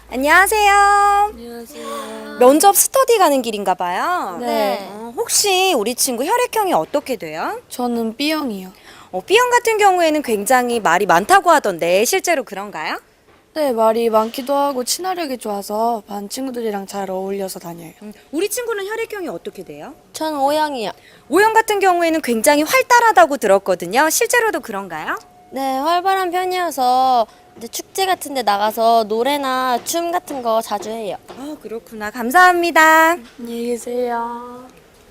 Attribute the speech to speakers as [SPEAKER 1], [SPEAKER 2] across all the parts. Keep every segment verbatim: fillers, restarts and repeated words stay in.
[SPEAKER 1] 안녕하세요.
[SPEAKER 2] 안녕하세요.
[SPEAKER 1] 면접 스터디 가는 길인가 봐요.
[SPEAKER 2] 네.
[SPEAKER 1] 어, 혹시 우리 친구 혈액형이 어떻게 돼요?
[SPEAKER 2] 저는 B형이요.
[SPEAKER 1] 어, B형 같은 경우에는 굉장히 말이 많다고 하던데 실제로 그런가요?
[SPEAKER 2] 네, 말이 많기도 하고 친화력이 좋아서 반 친구들이랑 잘 어울려서 다녀요.
[SPEAKER 1] 음, 우리 친구는 혈액형이 어떻게 돼요?
[SPEAKER 3] 저는 O형이요.
[SPEAKER 1] O형 같은 경우에는 굉장히 활달하다고 들었거든요. 실제로도 그런가요?
[SPEAKER 3] 네, 활발한 편이어서 이제 축제 같은 데 나가서 노래나 춤 같은 거 자주 해요.
[SPEAKER 1] 아, 그렇구나. 감사합니다.
[SPEAKER 2] 안녕히 계세요.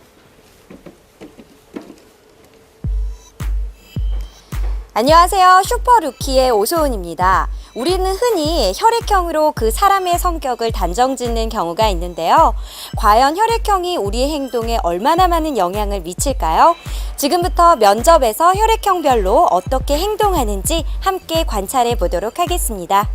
[SPEAKER 1] 안녕하세요. 슈퍼루키의 오소은입니다. 우리는 흔히 혈액형으로 그 사람의 성격을 단정짓는 경우가 있는데요. 과연 혈액형이 우리의 행동에 얼마나 많은 영향을 미칠까요? 지금부터 면접에서 혈액형별로 어떻게 행동하는지 함께 관찰해 보도록 하겠습니다.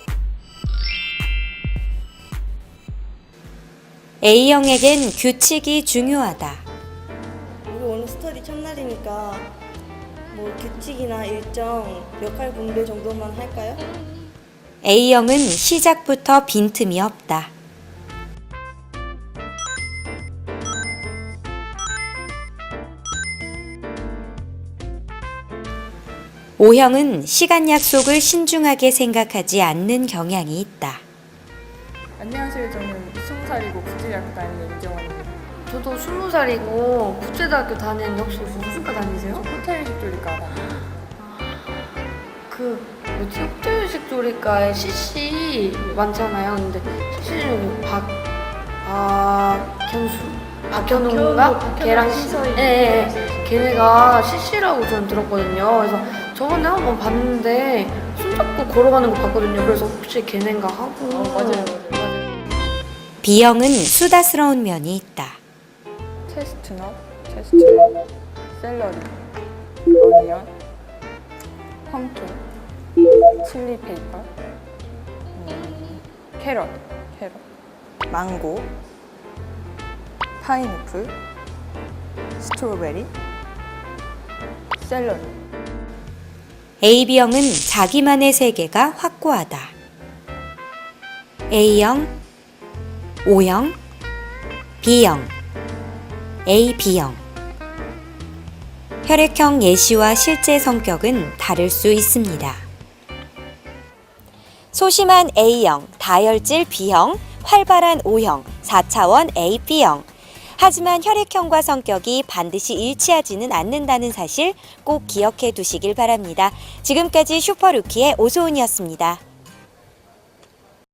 [SPEAKER 1] A형에겐 규칙이 중요하다.
[SPEAKER 4] 우리 오늘 스터디 첫날이니까 뭐 규칙이나 일정, 역할 분배 정도만 할까요?
[SPEAKER 1] A형은 시작부터 빈틈이 없다. O형은 시간 약속을 신중하게 생각하지 않는 경향이 있다.
[SPEAKER 5] 안녕하세요. 저는 스무 살이고 국제대학교 다니는 이정원입니다.
[SPEAKER 2] 저도 스무 살이고 국제대학교 다니는데 혹시 무슨 과 다니세요?
[SPEAKER 5] 호텔 식조리과 다닙니다.
[SPEAKER 2] 그 뭐지? 호텔식 조리과에 씨씨 많잖아요. 근데 씨씨 중에 박 박현수 박현웅인가? 걔랑
[SPEAKER 5] 시서이.
[SPEAKER 2] 예, 예, 예. 걔네가 씨씨라고 저는 들었거든요. 그래서 저번에 한번 봤는데 손잡고 걸어가는 거 봤거든요. 그래서 혹시 걔네인가 하고.
[SPEAKER 5] 어, 맞아요, 맞아요.
[SPEAKER 1] B형은 수다스러운 면이 있다.
[SPEAKER 5] 체스트넛, 체스트넛, 샐러리, 어니언, 펌킨, 칠리 페이퍼, 음, 캐럿, 캐럿, 망고, 파인애플, 스트로베리, 샐러리.
[SPEAKER 1] 에이비형은 자기만의 세계가 확고하다. A형, O형, B형, 에이비형. 혈액형 예시와 실제 성격은 다를 수 있습니다. 소심한 A형, 다혈질 B형, 활발한 O형, 사 차원 에이비형. 하지만 혈액형과 성격이 반드시 일치하지는 않는다는 사실 꼭 기억해 두시길 바랍니다. 지금까지 슈퍼루키의 오소은이었습니다.